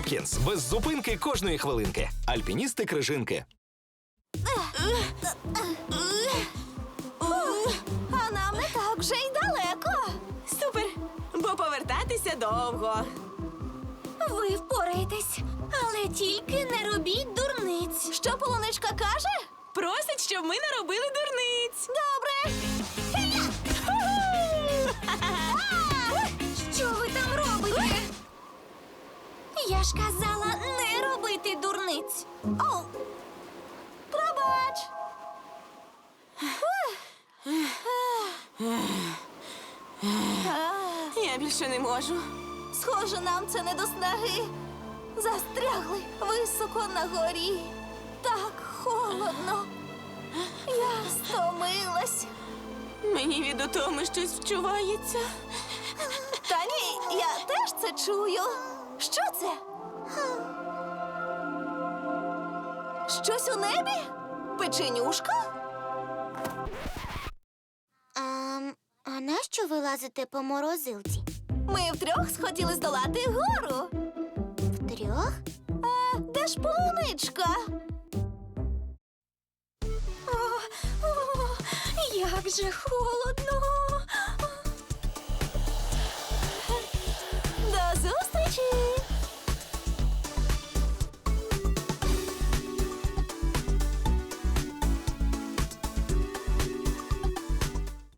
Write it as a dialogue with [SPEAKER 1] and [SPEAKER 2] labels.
[SPEAKER 1] Хопкінс. Без зупинки кожної хвилинки. Альпіністи Крижинки.
[SPEAKER 2] А нам не так вже й далеко.
[SPEAKER 3] Супер! Бо повертатися довго.
[SPEAKER 2] Ви впораєтесь, але тільки не робіть дурниць. Що полуничка каже?
[SPEAKER 3] Просить, щоб ми не робили дурниць.
[SPEAKER 2] Добре. Що ви там робите? Я ж казала не робити дурниць. Оу! Пробач!
[SPEAKER 3] Я більше не можу.
[SPEAKER 2] Схоже, нам це не до снаги. Застрягли високо на горі. Так холодно. Я стомилась.
[SPEAKER 3] Мені від утоми щось вчувається.
[SPEAKER 2] Та ні, я теж це чую. Що це? Щось у небі? Печенюшка?
[SPEAKER 4] А нащо ви лазите по морозилці?
[SPEAKER 2] Ми втрьох схотіли здолати гору.
[SPEAKER 4] Втрьох?
[SPEAKER 2] А де ж полуничка? Як же холодно.